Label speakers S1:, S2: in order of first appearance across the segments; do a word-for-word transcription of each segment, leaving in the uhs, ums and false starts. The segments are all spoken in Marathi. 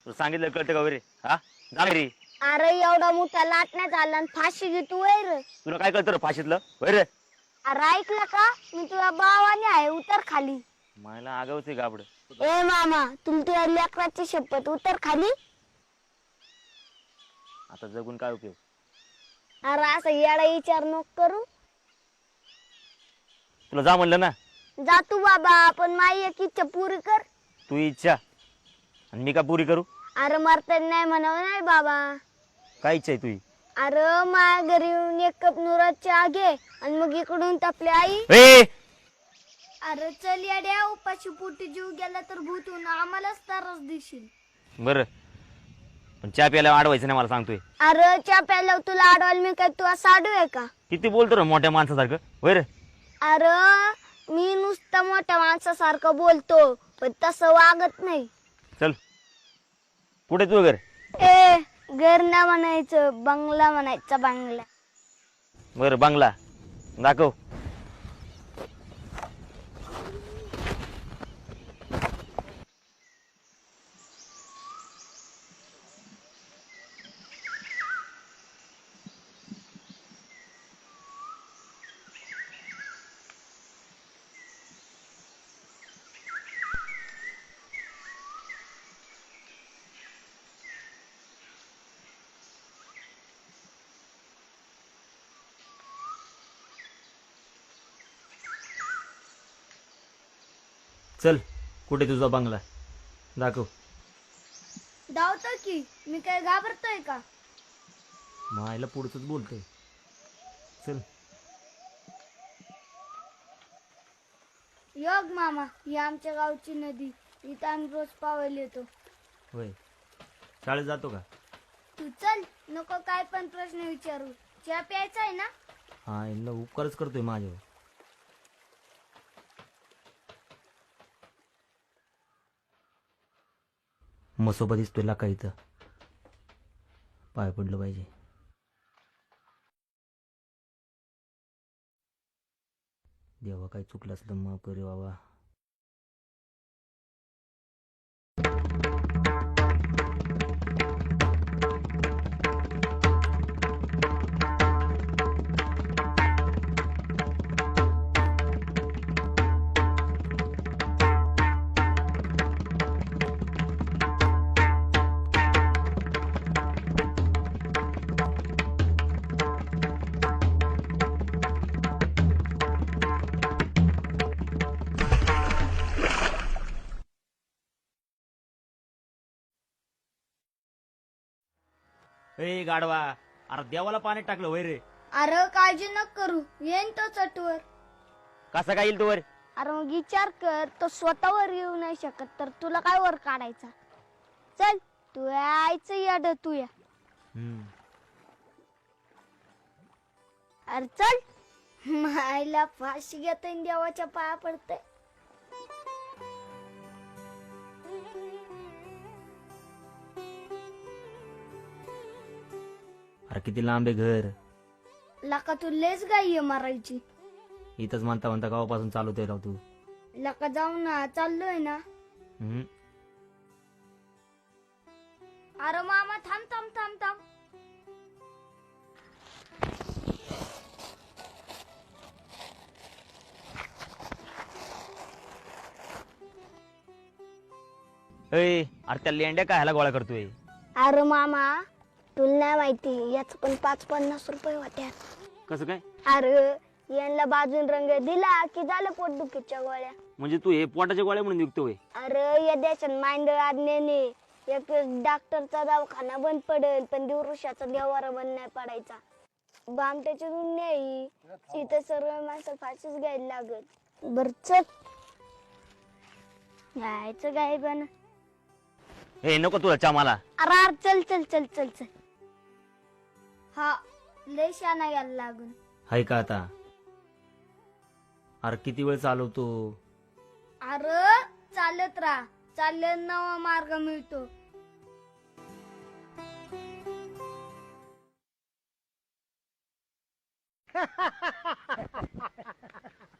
S1: तुला सांगितलं कळतं का वगैरे? हा जा घरी.
S2: अरे एवढा मोठा लाटण्यात आला आणि फाशी घेतो वैर.
S1: तुला काय कळतं रे फाशीतलं वैरे?
S2: अरे ऐकलं का मी तुझ्या भावाने आहे उतर खाली.
S1: मला आगावच आहे गाबड.
S2: ए मामा तुला तुझ्या लेकराची शपथ उतर खाली.
S1: आता जगून काय उपयोग?
S2: अरे असं येडा विचार नको करू.
S1: तुला जा म्हणलं ना.
S2: जा तू बाबा पण माझी एक इच्छा पुरी कर.
S1: तू इच्छा आणि मी का पुरी करू?
S2: अरे मरता नाही म्हणावं नाही बाबा.
S1: काय इच्छा आहे तुझी?
S2: अरे माझ्या घरी येऊन एक कप नुराची आगे आणि मग इकडून तापली आई.
S1: ए
S2: अरे चल येड्या उपाशी पोटी जीव गेला तर भूतून आम्हालाच त्रास देशील.
S1: बरं पण चहा प्यायला अडवायचं नाही मला सांगतोय.
S2: अरे च्या प्यायला तुला अडवाल मी काय तू साडू आहे का?
S1: किती बोलतो रे मोठ्या माणसासारखं वैरे?
S2: अरे मी नुसतं मोठ्या माणसासारखं बोलतो पण तसं वागत नाही.
S1: चल कुठे तू घर?
S2: ए घर ना म्हणायचं बंगला म्हणायचा बंगला.
S1: बरं बंगला दाखव. चल कुठे तुझा बंगला दाखव.
S2: धावतो की मी काय घाबरतोय का?
S1: मायला पुढचंच बोलतोय. चल
S2: योग मामा ही आमच्या गावची नदी इथं आम्ही रोज पावायला येतो.
S1: होय शाळेत जातो का?
S2: तू चल नको काय पण प्रश्न विचारू. चहा प्यायचा आहे ना?
S1: हा यांना उपकारच करतोय माझ्यावर. मसोबा दिसतोय लाका इथं पाय पडलं पाहिजे. देवा काही चुकलं असलं माफ कर रे बाबा. ए गाडवा अरे देवाला पाण्यात टाकलं वय रे.
S2: अरे काळजी नको करू येईन तो चटवर.
S1: कसा काय येईल तो वर?
S2: अरे मग विचार कर तो स्वतःवर येऊ नाही शकत तर तुला काय वर काढायचा. चल तू यायचं याड तू या. अरे चल मायला फाशी घेतोय देवाच्या पाया पडते.
S1: अरे किती लांब आहे घर.
S2: लका तू लेच गाय मारायची.
S1: इथंच म्हणता म्हणता गावापासून चालवतोय राव तू.
S2: लका जाऊ ना चाललोय ना.
S1: हम्म.
S2: अरे मामा थांब थांब थांब थांब.
S1: ए अरे त्या लेंड्या काय ह्याला गोळा करतोय?
S2: अरे मामा तुला नाही माहिती याच पण पाच पन्नास रुपये होत्या.
S1: कसं काय?
S2: अरे यांना बाजून रंग दिला की झालं पोटदुखीच्या गोळ्या.
S1: म्हणजे तू हे पोटाच्या गोळ्या म्हणून विकतोय?
S2: अरे या देशात मांडळ आज्ञेने एक डॉक्टरचा दवाखाना बंद पडेल पण दिवृषाचा देवारा बंद नाही पडायचा. बामट्याची दुनिया ही इथं सर्व माणसं फाशीच घ्यायला लागत. बर चल जायचं काय पण.
S1: हे नको तुला चा मला.
S2: अरे अरे चल चल चल चल चल. हा लय शाना यायला लागून.
S1: हाय का आता? अरे किती वेळ चालवतो?
S2: अरे चालत राहा चालत नवा मार्ग मिळतो.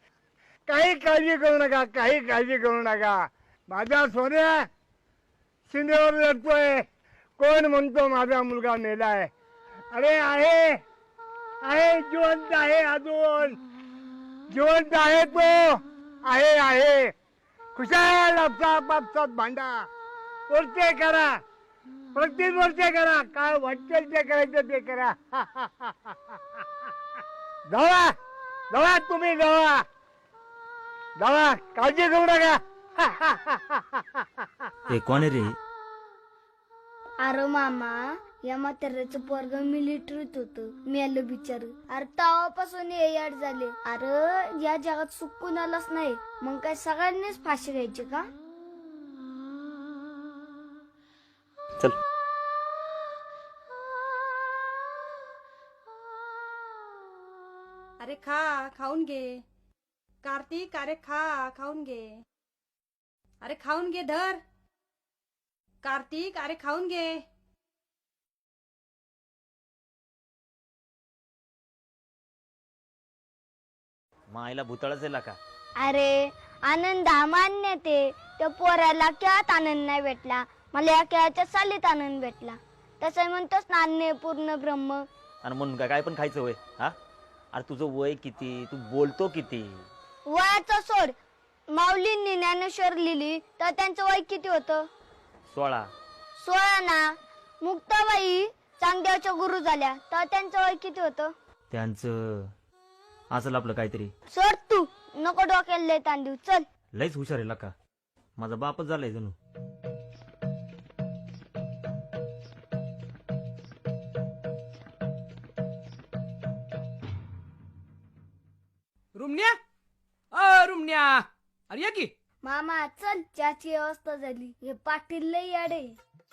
S3: काही काळजी करू नका काही काळजी करू नका माझ्या सोन्या शिंदेवर लढतोय. कोण म्हणतो माझा मुलगा मेलाय? अरे आहे आहे, जिवंत आहे, अजून जिवंत आहे तो. आहे आहे खुशाल आपसात आपसात भांडा, वरचे करा, प्रत्येक वरचे करा, काय वाटेल ते करायचं ते करा. जावा जावा, तुम्ही जावा जावा, काळजी करू नका.
S1: ए कोण आहे रे?
S2: अरे मामा, या म्हाताऱ्याचं पोरग मिलिटरीत होतं, मेलं बिचार. अरे तेव्हापासून हे याड झाले. अरे या जगात सुख कुणालाच नाही, मग काय सगळ्यांनीच फाशी घ्यायची का?
S1: चल.
S4: अरे खा, खाऊन घे. कार्तिक, अरे खा, खाऊन घे. अरे खाऊन घे, धर. कार्तिक, अरे खाऊन घे.
S1: मायला भूतळच आहे का?
S2: अरे आनंद हा मान्य ते त्या पोराला खेळात आनंद नाही भेटला, मला या खेळाच्या सालीत आनंद भेटला. तसं म्हणतोस ना, अन्य पूर्ण ब्रह्म.
S1: आणि म्हणून काय काय पण खायचं वय? हा अरे तुझं वय किती? तू बोलतो किती?
S2: वयाचं सोड. माऊलींनी ज्ञानेश्वर लिहिली तर त्यांचं वय किती होतं?
S1: सोळा.
S2: सोळा ना. मुक्ताबाई चांगदेवच्या गुरु झाल्या तर त्यांचं वय किती होतं?
S1: त्यांचं असलं आपलं काहीतरी.
S2: सोड तू, नको डोक्याला लय ताण देऊ. चल.
S1: लयच हुशार आहे का? माझा बापच झालाय जणू.
S5: रुमण्या, अ रुमण्या, अरे या की.
S2: मामा चल, चहाची व्यवस्था झाली. हे पाटील लय याडे.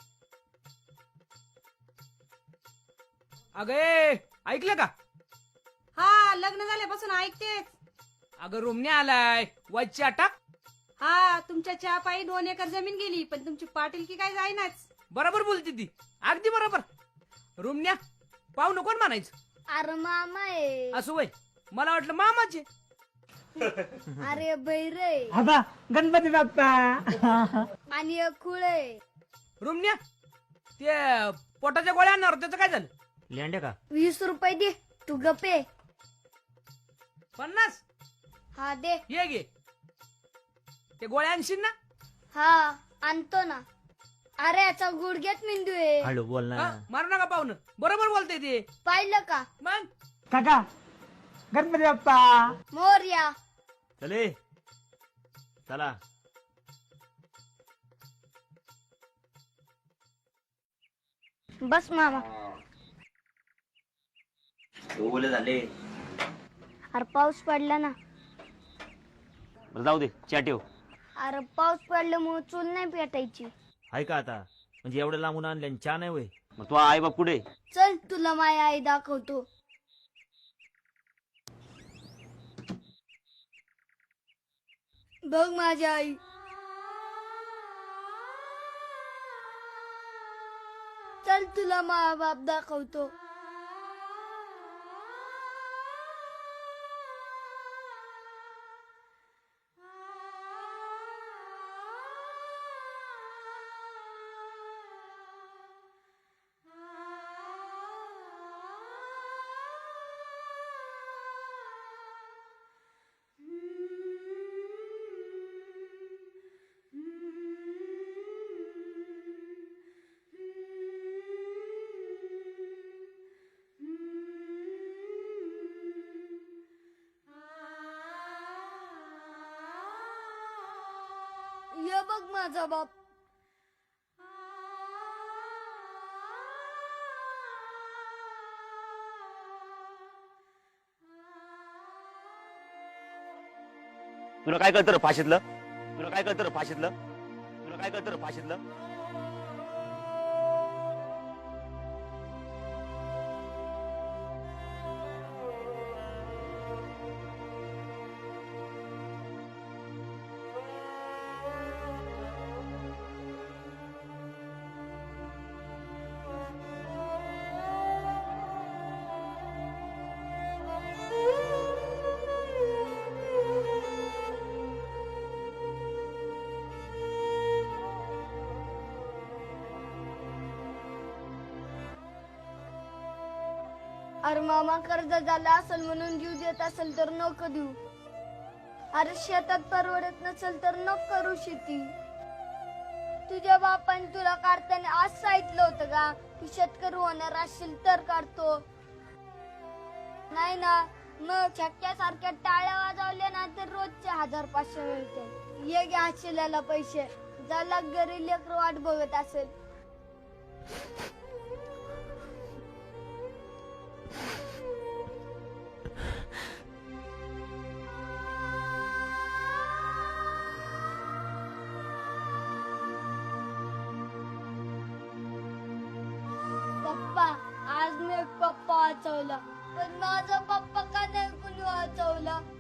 S5: अगे ऐकलं का?
S4: हा, लग्न झाल्यापासून ऐकतेच.
S5: अगं रुमण्या आलाय, वाईच्या टाक.
S4: हा, तुमच्या चहा पायी दोन एकर जमीन गेली, पण तुमची पाटीलकी काय जाईनाच.
S5: बरोबर बोलते ती, अगदी बरोबर. रुमण्या, पाहुणं कोण म्हणायचं?
S2: अरे मामा आहे.
S5: असं वय, मला वाटलं मामाचे.
S2: अरे बैरे
S3: आता गणपती बाप्पा.
S2: आणि एक खुळ आहे.
S5: रुमण्या, ते पोटाच्या गोळ्या आणणार त्याचं काय झालं?
S1: लेंड्या का?
S2: वीस रुपये दे, तू गपे.
S5: पन्नास?
S2: हा दे.
S5: ये घे, ते गोळ्या आणशील ना?
S2: हा आणतो ना. अरे याचा गुडघ्यात मेंदू आहे.
S1: हळू बोल ना.
S5: हा, मारू नका पाहुणं, बरोबर बोलते ते.
S2: पाहिलं का?
S5: मग
S3: काका गणपती बाप्पा.
S2: मोरया.
S1: चले चला.
S2: बस मामा.
S1: ओले झाले.
S2: अरे पाऊस पडला ना.
S1: बरं जाऊ दे, चहा ठेव.
S2: अरे पाऊस पडल्यामुळे चूल नाही पेटायची.
S1: आहे का आता? म्हणजे एवढं लांबून आणले आणि चहा नाही वय? मग तू आई बाप कुठे?
S2: चल तुला माझी आई दाखवतो. बघ माझी आई. चल तुला माझा बाप दाखवतो. ये बघ माझा बाप.
S1: तुला काय कळतं रे फाशीतलं? तुला काय कळतं रे फाशीतलं? तुला काय कळतं रे फाशीतलं?
S2: अरे मामा कर्ज झाला असेल म्हणून जीव देत असेल तर नको देऊ. अरे शेतात परवडत नसेल तर नको करू शेती. तुझ्या बापाने तुला काढताना आज सांगितलं होतं का की शेतकरी होणार असेल तर काढतो, नाही ना? मग छक्क्यासारख्या टाळ्या वाजवल्या ना तर रोजचे हजार पाचशे मिळते. ये घ्या शिल्याला पैसे, ज्याला घरी लेकर वाट बघत असेल. पप्पा, आज मी एक पप्पा वाचवला, पण माझा पप्पा का नाही कुणी वाचवला?